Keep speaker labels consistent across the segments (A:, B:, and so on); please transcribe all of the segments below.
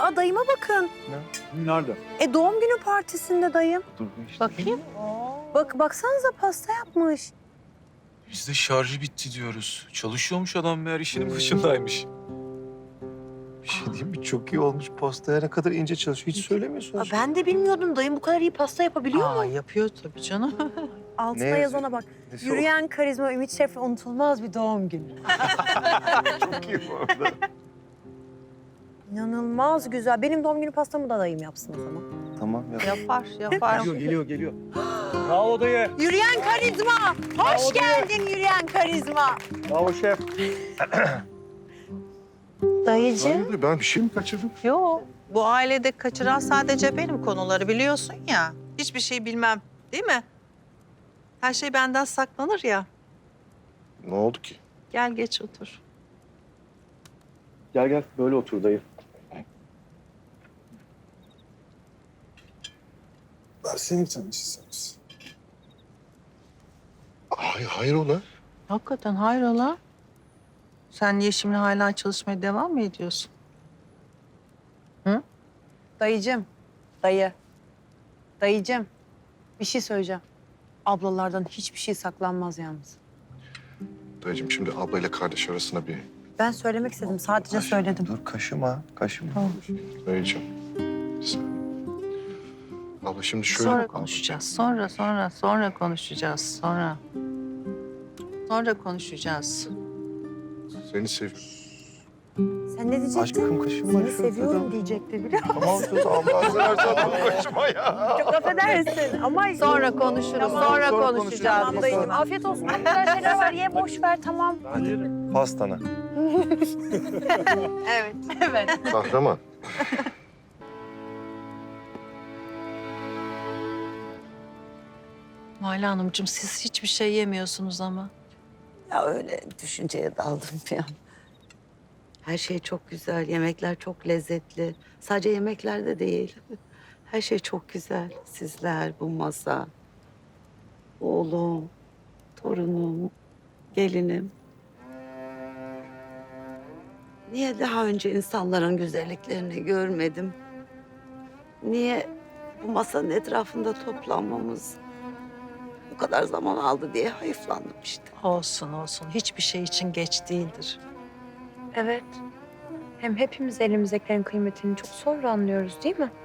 A: Aa dayıma bakın.
B: Nerede?
A: Doğum günü partisinde dayım.
B: Dur işte.
A: Bakayım. Baksanıza pasta yapmış.
B: Biz de şarjı bitti diyoruz. Çalışıyormuş adam meğer işinin başındaymış. Bir şey diyeyim mi? Çok iyi olmuş. Pastaya ne kadar ince çalışıyor. Hiç söylemiyorsunuz.
A: Ben de bilmiyordum dayım bu kadar iyi pasta yapabiliyor mu?
C: Yapıyor tabii canım.
A: Altına
B: Ne
A: yazana bak.
B: Nesi
A: Yürüyen karizma Ümit Şef'le unutulmaz bir doğum günü.
B: çok iyi bu arada.
A: İnanılmaz güzel. Benim doğum günü pastamı da dayım yapsın o zaman.
B: Tamam ya.
C: Yapar.
B: Geliyor. Bravo dayı.
A: Yürüyen karizma. Hoş geldin yürüyen karizma.
B: Bravo şef.
A: Dayıcığım.
B: Ben bir şey mi kaçırdım?
C: Yok. Bu ailede kaçıran sadece benim konuları biliyorsun ya. Hiçbir şey bilmem değil mi? Her şey benden saklanır ya.
B: Ne oldu ki?
C: Gel geç otur.
B: Gel böyle otur dayı. Versene bir tane çizseniz. Hayır ola.
C: Hakikaten hayrola? Sen niye şimdi hala çalışmaya devam mı ediyorsun?
A: Dayıcığım. Dayıcığım. Bir şey söyleyeceğim. Ablalardan hiçbir şey saklanmaz yalnız.
D: Dayıcığım şimdi ablayla kardeş arasına bir...
A: Ben söylemek istedim. Sadece söyledim.
B: Dur kaşıma.
D: Dayıcığım. bir saniye. Abla şimdi şöyle...
C: Sonra konuşacağız. Sonra konuşacağız. Sonra konuşacağız.
D: Seni seviyorum.
A: Sen ne diyecektin?
B: Aşkım kaşıma.
A: Seni seviyorum diyecekti biliyor musun?
B: Tamam söz Allah seversen kaşıma ya.
A: Çok affedersin ama...
C: Sonra konuşuruz. Sonra konuşacağız.
A: Tamam dayıcığım. Afiyet olsun. Çok güzel şeyler var. Ye boş ver tamam.
B: Pastana.
A: Evet.
D: Kahraman.
C: Mala Hanımcığım siz hiçbir şey yemiyorsunuz ama.
E: Ya öyle düşünceye daldım bir an. Her şey çok güzel, yemekler çok lezzetli. Sadece yemeklerde değil. Her şey çok güzel. Sizler, bu masa, oğlum, torunum, gelinim. Niye daha önce insanların güzelliklerini görmedim? Niye bu masanın etrafında toplanmamız bu kadar zaman aldı diye hayıflandım işte.
C: Olsun. Hiçbir şey için geç değildir.
A: Evet. Hem hepimiz elimizdekilerin kıymetini çok sonra anlıyoruz değil mi?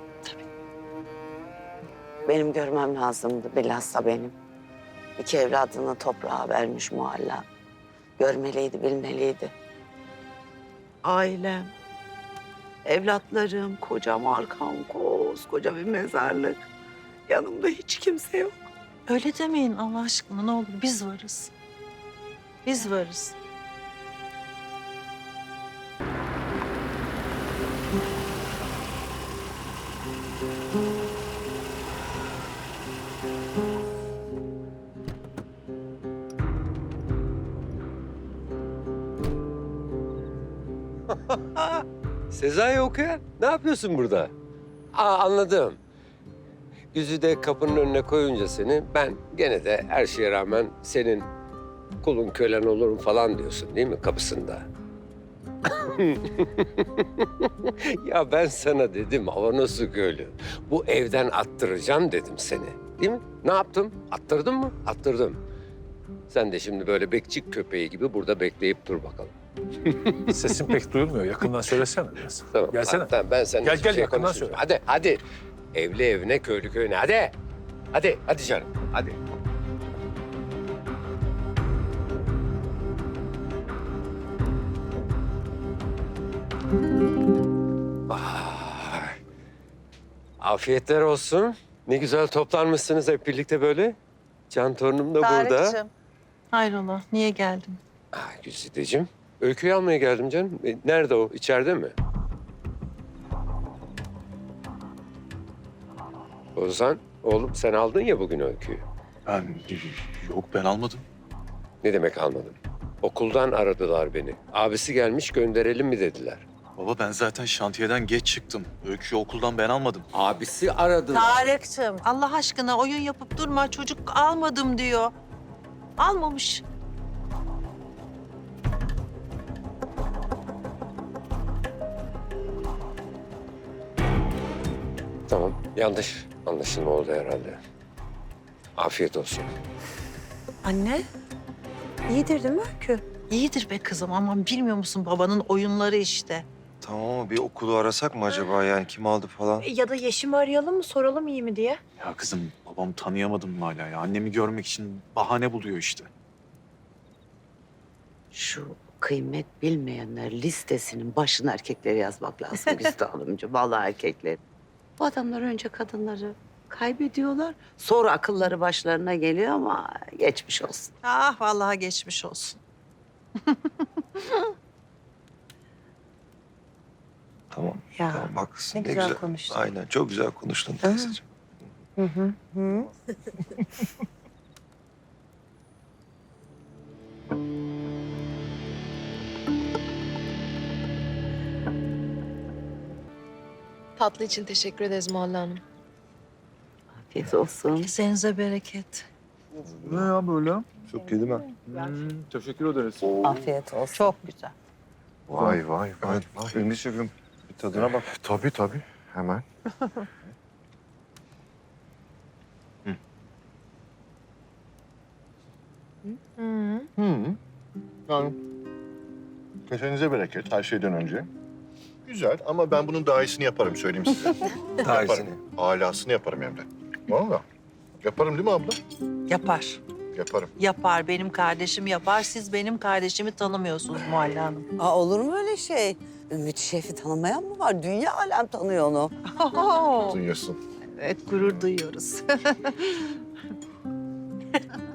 E: Benim görmem lazımdı, bilhassa benim. İki evladını toprağa vermiş Mualla. Görmeliydi, bilmeliydi. Ailem, evlatlarım, kocam arkam, koskoca bir mezarlık. Yanımda hiç kimse yok.
C: Öyle demeyin Allah aşkına ne olur. Biz varız. Biz varız.
F: Sezai okuyan, ne yapıyorsun burada? Anladım. Güzide kapının önüne koyunca seni, ben gene de her şeye rağmen senin kulun kölen olurum falan diyorsun değil mi kapısında? Ya ben sana dedim Avanos'u köylü. Bu evden attıracağım dedim seni. Değil mi? Ne yaptım? Attırdın mı? Attırdım. Sen de şimdi böyle bekçik köpeği gibi burada bekleyip dur bakalım.
G: Sesin pek duyulmuyor. Yakından söylesene biraz.
F: Tamam.
G: Gelsene.
F: Tamam, ben seninle
G: Gel,
F: hiçbir
G: gel,
F: şey
G: yakından
F: konuşmayacağım.
G: söyle.
F: Hadi. Evli evine, köylü köyüne. Hadi. Hadi canım. Hadi. Vay. Afiyetler olsun. Ne güzel toplanmışsınız hep birlikte böyle. Can torunum da burada.
C: Tarık'cığım. Hayrola niye geldin?
F: Güzideciğim. Öyküyü almaya geldim canım. Nerede o? İçeride mi? Ozan, oğlum sen aldın ya bugün öyküyü.
B: Yok ben almadım.
F: Ne demek almadın? Okuldan aradılar beni. Abisi gelmiş gönderelim mi dediler.
B: Baba ben zaten şantiyeden geç çıktım. Öyküyü okuldan ben almadım.
F: Abisi aradılar.
C: Tarık'cığım Allah aşkına oyun yapıp durma. Çocuk almadım diyor. Almamış.
F: Yanlış anlaşılma oldu herhalde. Afiyet olsun.
A: Anne, iyidir değil mi Öykü?
C: İyidir be kızım ama bilmiyor musun babanın oyunları işte.
B: Tamam ama bir okulu arasak mı acaba yani kim aldı falan?
A: Ya da Yeşim'i arayalım mı, soralım iyi mi diye?
G: Ya kızım babamı tanıyamadım mı hala ya? Annemi görmek için bahane buluyor işte.
E: Şu kıymet bilmeyenler listesinin başına erkekleri yazmak lazım Güzide Hanımcığım. Vallahi erkekler. Bu adamlar önce kadınları kaybediyorlar. Sonra akılları başlarına geliyor ama geçmiş olsun.
C: Ah vallahi geçmiş olsun.
B: Tamam.
A: Ya,
B: Tamam haklısın.
A: ne güzel konuştun.
B: Aynen çok güzel konuştun teyzeciğim.
H: Tatlı için teşekkür ederiz Muhalle Hanım.
E: Afiyet olsun.
C: Kesenize bereket.
G: Ne ya böyle?
B: Çok iyi değil mi?
G: Teşekkür ederiz.
E: Afiyet olsun.
C: Çok güzel.
D: Vay vay vay. vay.
B: Ünlü şefim bir tadına bak.
D: Tabii tabii. Hemen. Yani kesenize bereket her şeyden önce. Güzel ama ben bunun daha iyisini yaparım söyleyeyim size.
B: Daha
D: Yaparım.
B: iyisini.
D: Alasını yaparım hem de. Vallahi. Yaparım değil mi abla?
C: Yapar.
D: Yaparım.
C: Yapar. Benim kardeşim yapar. Siz benim kardeşimi tanımıyorsunuz Muhalle Hanım.
E: Aa, olur mu öyle şey? Ümit Şef'i tanımayan mı var? Dünya alem tanıyor onu.
D: Duyuyorsun.
C: Evet gurur duyuyoruz.